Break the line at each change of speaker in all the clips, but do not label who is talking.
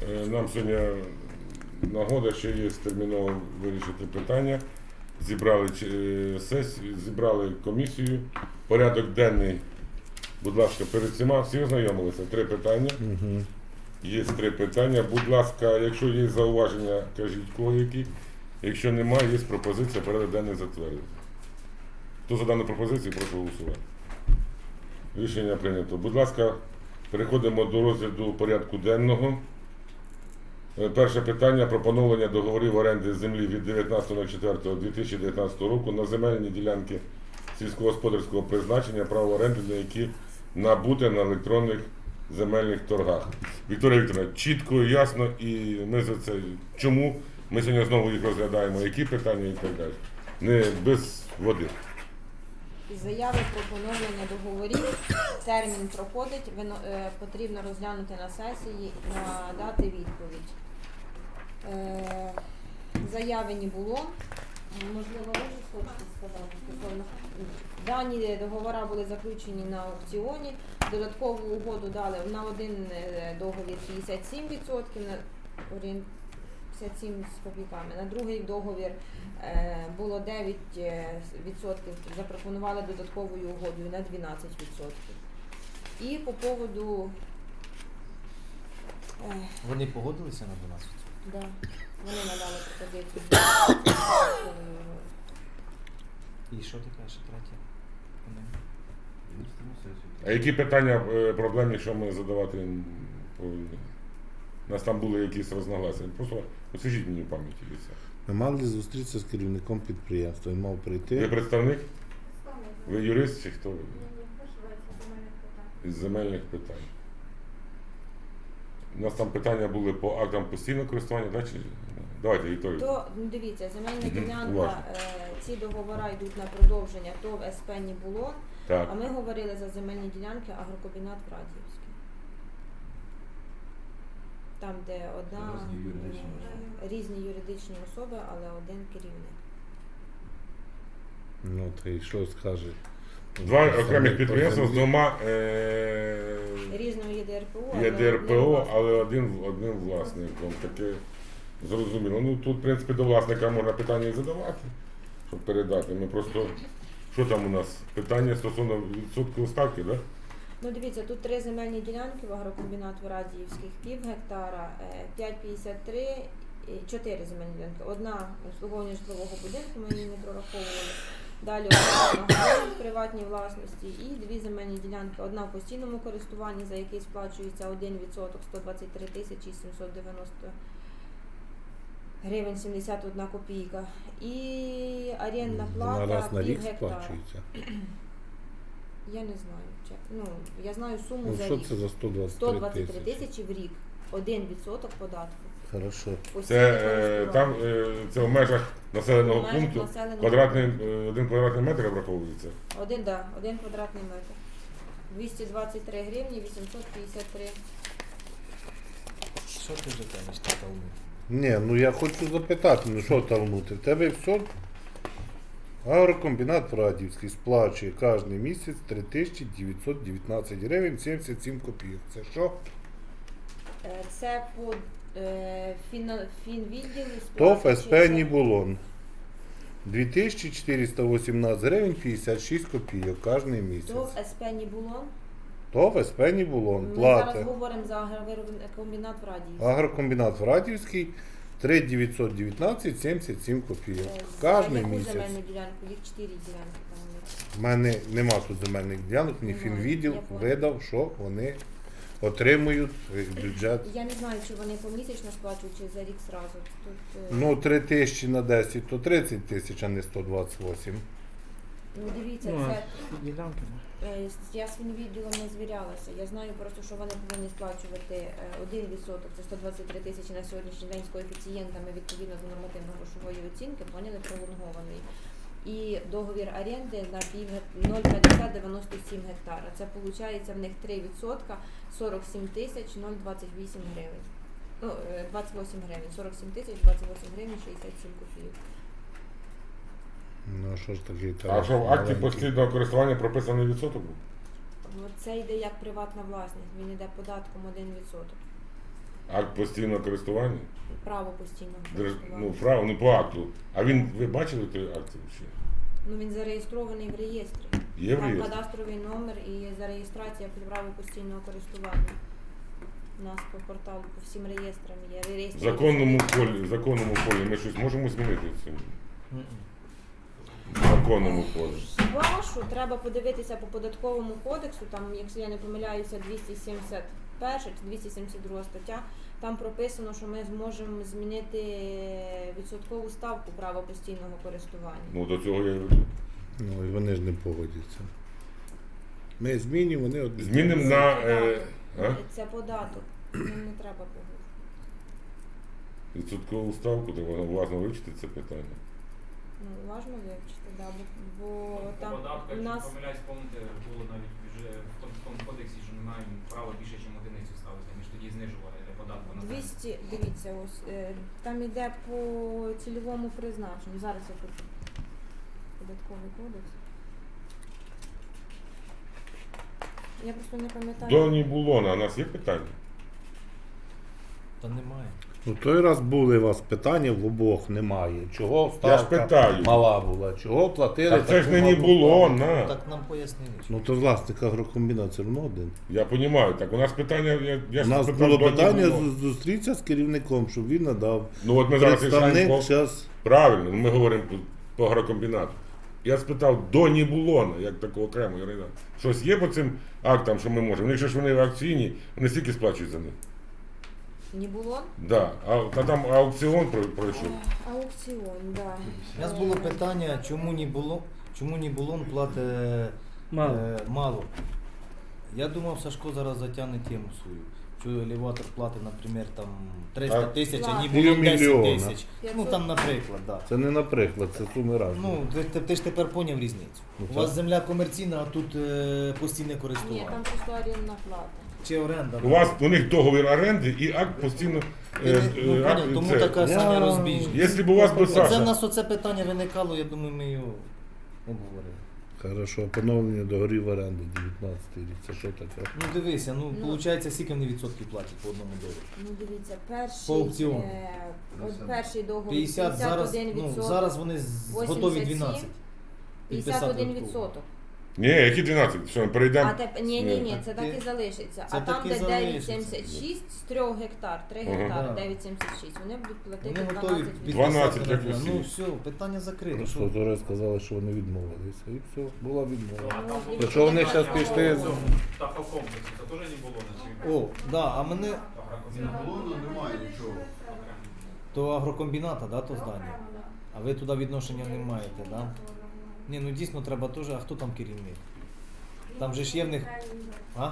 Нам сьогодні нагода, що є терміново вирішити питання. Зібрали сесію, зібрали комісію. Порядок денний, будь ласка, перед всіма. Всі ознайомилися? 3 питання.
Угу.
Є 3 питання. Будь ласка, якщо є зауваження, кажіть кого які. Якщо немає, є пропозиція порядок денний затвердити. Хто за дану пропозицію, прошу голосувати. Рішення прийнято. Будь ласка, переходимо до розгляду порядку денного. Перше питання про поновлення договорів оренди землі від 19.04.2019 року на земельні ділянки сільськогосподарського призначення, право оренди на які набуте на електронних земельних торгах. Вікторія Вікторівна, чітко, ясно, і ми за це. Чому ми сьогодні знову їх розглядаємо, які питання і так далі. Не без води.
Заяви про поновлення договорів, термін проходить, потрібно розглянути на сесії, надати відповідь. Заяви не було. Можливо, ви щось хочете сказати стосовно. Дані договори були заключені на аукціоні, додаткову угоду дали на один договір 57%, на 57 з копійками. На другий договір було 9%, запропонували додатковою угодою на 12%. І по поводу...
Вони погодилися на 12%?
Да, вони надали пропозицію.
І що ти кажеш, третє?
А які питання проблемні, що ми задавати повинні? У нас там були якісь розногласия. Просто освіжіть мені в пам'яті це.
Ми мали зустрітися з керівником підприємства. Він мав прийти.
Ви представник? Ви юрист чи хто? Із земельних питань. У нас там питання були по актам постійного користування, да? Чи... Давайте, Вікторія.
То, дивіться, земельна ділянка,
уважно.
ці договори йдуть на продовження ТОВ СП «Нібулон»,
Так.
а ми говорили за земельні ділянки агрокомбінат Врадіївський. Там, де різні юридичні особи, але один керівник.
Ну, та й що скаже?
2 окремих підприємства з 2
Різного є ДРПО,
є ДРПО, але один власником. Таке зрозуміло. Ну тут, в принципі, до власника можна питання і задавати, щоб передати. Ми просто, що там у нас? Питання стосовно відсоткової ставки, так? Да?
Ну, дивіться, тут 3 земельні ділянки в агрокомбінат Врадіївських, пів гектара, 5,53, 4 земельні ділянки. Одна обслуговування житлового будинку, ми її не прораховували. Далі одна в приватній власності і 2 земельні ділянки. Одна в постійному користуванні, за який сплачується 1%, 123 тисячі 790 гривень 71 копійка. І орендна плата
раз на рік
пів гектара.
сплачується.
Я не знаю. Ну, я знаю суму
Ну,
за
що
рік.
це за 123
123
тисячі?
тисячі в рік. 1% податку.
Хорошо.
Це там це в межах населеного
В межах
пункту
населеного
1 квадратний метр обраховується.
Один квадратний метр. 223 гривні, 853.
Що ти вже кажеш, Талмуд?
Ні, ну я хочу запитати, ну що талнути? В тебе все? Агрокомбінат Врадіївський сплачує кожен місяць 3919 гривень 77 копійок. Це що?
Це по фінвідділі
ТОВ СП «Нібулон». 2418 гривень 56 копійок кожен місяць.
ТОВ СП «Нібулон».
ТОВ СП «Нібулон»
Ми
платить.
зараз говоримо за агрокомбінат Врадіївський.
Агрокомбінат Врадіївський 3919 77 копійок. Кожен
Яку
місяць.
земельну ділянку? Їх 4 ділянки там є.
У мене нема тут земельних ділянок, мені
Немає.
фінвідділ
Я поняла.
видав, що вони отримують бюджет.
Я не знаю, чи вони помісячно сплачують, чи за рік зразу. Тут,
Ну, 3 тисячі на 10, то 30 тисяч, а не 128.
ну дивіться,
Ну,
це
ділянки.
я з фінвідділом не звірялася. Я знаю просто, що вони повинні сплачувати 1%, це 123 тисячі на сьогоднішній день з коефіцієнтами відповідно до нормативно-грошової оцінки, поняли, пролонгований. І договір оренди на 0,5097 гектара. Це виходить в них 3%, 47 тисяч 028 гривень. Ну, 28 гривень, 47 тисяч 28 гривень 67 копійок.
Ну, що ж таке?
А що в акті постійного користування прописаний відсоток був?
Це йде як приватна власність, він йде податком 1%.
Акт постійного користування?
Право постійного
Ну,
користування.
право, ну по акту. А він, ви бачили той акт взагалі?
Ну він зареєстрований в реєстрі.
Є в
Там
реєстрі?
кадастровий номер і зареєстрація під право постійного користування. У нас по порталу, по всім реєстрам є.
В
Реєстр
законному полі ми щось можемо змінити в цьому?
Мгм.
В законному полі.
Хіба що треба подивитися по податковому кодексу, там, якщо я не помиляюся, 271 чи 272 стаття, там прописано, що ми зможемо змінити відсоткову ставку права постійного користування.
Ну до цього я і веду.
Ну і вони ж не погодяться. Ми змінюємо, вони от
Змінимо
Це
на
податок. Це податок. Нам не треба погодити.
відсоткову ставку, треба уважно вивчити це питання.
Ну, важно вивчити, да, бо
По
там
податках,
у
якщо
нас
помиляюсь, помните, було навіть вже в тому кодексі, що не маємо права більше, ніж одиницю ставити, ніж тоді знижували для податку на землю.
200, дивіться, ось там іде по цільовому призначенню. Зараз я тут податковий кодекс. Я просто не пам'ятаю.
До Нібулона у нас є питання?
Та немає.
У той раз були у вас питання, в обох немає. Чого
Я ж
ставка
питаю.
мала була, чого платили?
Так це ж не
таку малу
Нібулон,
ставку?
на.
Так нам пояснили. що-
Ну то власник агрокомбінат все одно один.
Я розумію, так у нас питання, я
У
ж
нас
спитав
було
до
питання
Нібулона.
зустрітися з керівником, щоб він надав.
Ну от ми зараз
Представник
рішаємо
зараз.
правильно, ми говоримо по агрокомбінату. Я спитав до Нібулона, як такого окремо юрида. Щось є по цим актам, що ми можемо? Якщо ж вони акційні, вони стільки сплачують за них.
Не було?
Да. А там аукціон пройшов.
Аукціон, да.
У нас було питання, чому не було платить мало. Я думав, Сашко зараз затягне тему свою. Що елеватор платить, наприклад, там 300
Так.
тисяч, а не
Платить.
було 10
Півмільйона.
тисяч. Ну там, наприклад, так. Да.
Це не наприклад, це суми разні.
Ну, ти ж тепер поняв різницю.
Ну,
У вас
так.
земля комерційна, а тут постійне
Ні,
користування.
там просто орендна плата.
Чи оренда.
У них договір оренди і акт постійно.
Ну, поняв, тому
це.
така самя розбіжність.
Якщо б у вас би
Оце в
Саша.
нас оце питання виникало, я думаю, ми його обговорили.
Хорошо, поновлення договорів оренди 19 рік. Це що таке?
Ну дивися,
Ну.
виходить, скільки вони відсотків платять по одному договору?
Ну дивіться,
По аукціону.
перший договір
50 зараз,
51%.
зараз вони готові 12.
51%.
Ні, які 12? Що, перейдемо?
Ні, це так і залишиться.
Це
А там,
так і
де
залишиться.
9,76 з 3 гектар, 3
Ага.
гектари,
Да.
9,76, вони будуть платити
Вони готові
12%.
12,
підписати.
як усі.
Ну все, питання закрито.
Просто
Що?
зараз сказали, що вони відмовилися. І все, була відмова.
А там було
Якщо вони
питання
щас пішли
по
з-
цьому птахокомплексу, це теж не було на цій
О, да, а мене
агрокомбінату.
Немає нічого.
то агрокомбіната, да, то здання. А ви туди відношення не маєте, да? Ні, ну дійсно треба теж, а хто там керівник? Там же ж є в них. А?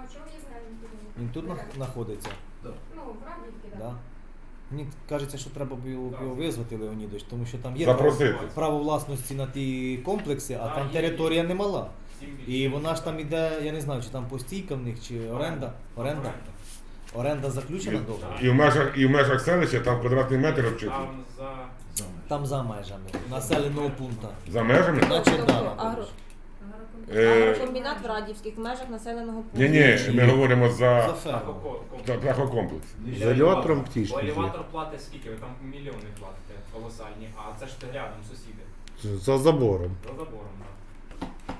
Він тут знаходиться?
Да.
Ну, в Радівці,
Да. Мені кажеться, що треба було б його визвати, Леонідович, тому що там є
Запросити.
право власності на ті комплекси, а
Да,
там
є.
територія немала. І
7%.
вона ж там іде, я не знаю, чи там постійка в них, чи оренда. Оренда? Оренда заключена договор?
І в межах селища там квадратний метр обчитують.
Там за
Там за межами населеного пункту.
За межами?
Значить,
Тобто
да,
агрокомбінат в Радівських межах населеного пункту.
Ні, ми говоримо
За
за
ферму.
птахокомплекс.
З елеватором птічки
Бо
є.
елеватор платить скільки? Ви там мільйони платите колосальні, а це ж рядом сусіди.
За забором.
За забором, так.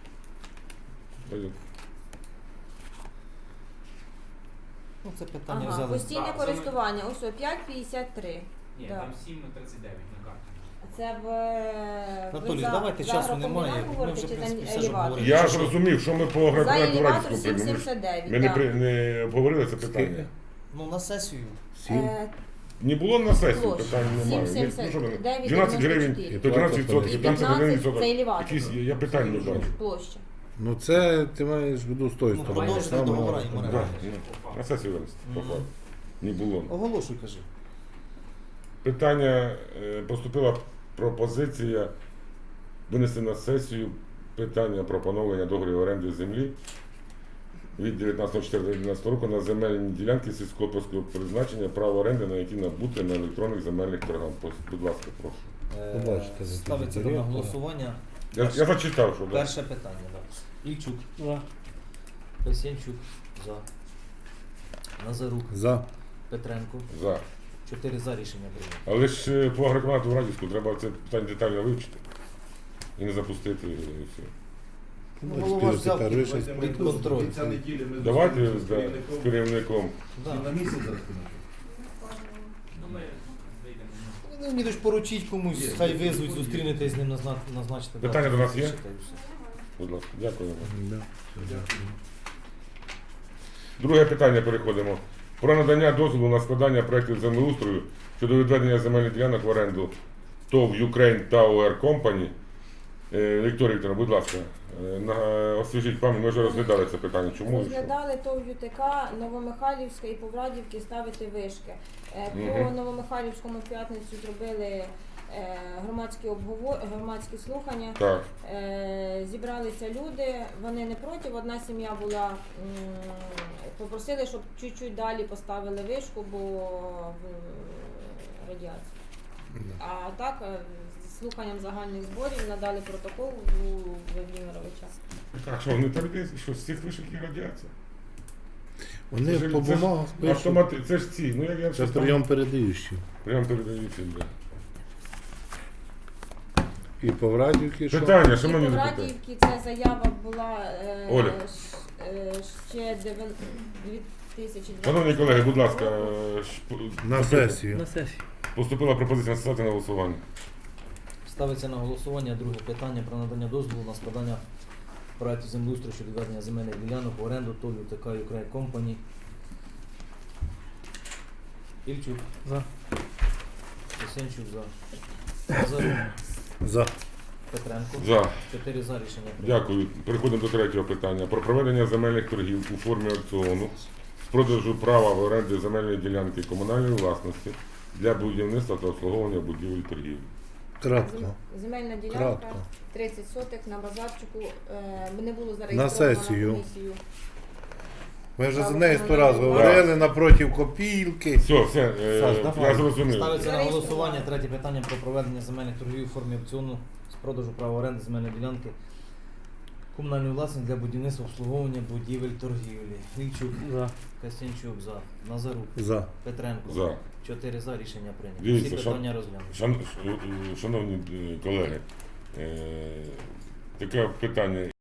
Ну, це питання
Ага,
взяли.
постійне
Так,
користування, ось о, 5,53.
Ні,
Да.
там 7,39 на карті.
Це в
Анатолій,
за-
давайте
за
часу
агрокомбінат
немає. Ми
говорите,
вже,
чи
в принципі,
за
все ж
елеватор?
обговорили.
Я
Чи
ж
що?
розумів, що ми по
За
агрокомбінату
елеватор
Радівську приймемо.
7,79.
Ми
так.
не обговорили це питання.
Скільки?
Ну, на сесію.
7.
Не було на сесії,
Площа.
питань немає.
7,79,
12 гривень,
94.
то 12%, там це
15
1%.
це елеватор.
Якісь, я питань не бачу.
Площа.
Ну це ти маєш в виду з тої
Ну,
сторони.
продовжити
Саме
договори
на-
і
Да,
мережі.
ну, на сесію винести, по
Мгм.
факту. Не було.
Оголошуй, кажи.
Питання, поступила пропозиція винести на сесію питання про поновлення договорів оренди землі від 19.04.2011 року на земельні ділянки сільськогосподарського призначення, право оренди, на які набути на електронних земельних торгах. Будь ласка, прошу.
Побачите, за
Ставиться
тобі
на
директора.
голосування.
Я зачитав, що да.
Перше питання, так. Да. Ільчук. За. Песенчук. За. Назарук.
За.
Петренко.
За.
4 за рішення прийнято.
Але ж по агрокомату в Радівську треба це питання детально вивчити. І не запустити і все.
Ну, голова ж взяв
Тепер ви щось
під контроль.
Кінця неділі ми
Давайте
зустрінемося з
з
керівником.
керівником.
Да.
На місяць зараз.
Ну, ми вийдемо.
Ну, мені ж поручіть комусь,
Є,
хай
є,
визвуть,
є.
зустрінетесь з ним, назначити.
Питання
дату,
до нас є?
та й все.
Будь ласка, дякуємо.
Да.
Дякую.
Друге питання переходимо. Про надання дозволу на складання проєктів землеустрою щодо відведення земельних ділянок в оренду ТОВ Ukraine Tower Company. Вікторія Вікторовна, будь ласка, освіжіть пам'ять, ми вже розглядали це питання. Чому? і що?
Розглядали ТОВ ЮТК, Новомихайлівська і Поврадівки ставити вишки. По
Мгм.
Новомихайлівському в п'ятницю зробили громадські слухання.
Так,
Зібралися люди, вони не проти. Одна сім'я була, попросили, щоб чуть-чуть далі поставили вишку, бо радіація. А так, з слуханням загальних зборів надали протокол у Володимировича.
так, що вони так десь, що з цих вишок є радіація?
Вони
Це ж-
по
це ж
бумагах пишуть.
автомати, це ж ці, ну як я
Це
щось там-
прийом передаючий.
Прямо передається, да.
І по Врадівки, що?
Питання,
І
шановні
по
депутати.
Радіївці ця заява була
Оля.
ще 2020.
Шановні колеги, будь ласка,
На сесію.
поступила пропозиція настати на голосування.
Ставиться на голосування друге питання про надання дозволу на складання проекту землеустрою щодо відведення земельних ділянок в оренду ТОВ ЮТК Ukraine Company. Ільчук. За. Лисенчук за. Назарук.
За.
Петренко.
За.
4 за рішення прийнято.
Дякую. Переходимо до третього питання. Про проведення земельних торгів у формі аукціону з продажу права в оренди земельної ділянки комунальної власності для будівництва та обслуговування будівель торгівлі.
Кратко.
Земельна ділянка,
Кратко.
30 соток на Базарчику. Не було зареєстровано
На сесію.
комісію.
Ми вже за
Право
неї 100 разів
комунальної
говорили напроти копілки.
Все,
Саш, давай.
я зрозумів.
Ставиться на голосування третє питання про проведення земельних торгів у формі аукціону з продажу права оренди земельної ділянки комунальної власності для будівництва обслуговування будівель торгівлі. Ільчук. За. Костянчук за. Назарук.
За.
Петренко.
За.
4 за рішення прийнято.
Дивіться,
Всі питання розглянуті.
Шановні колеги, таке питання.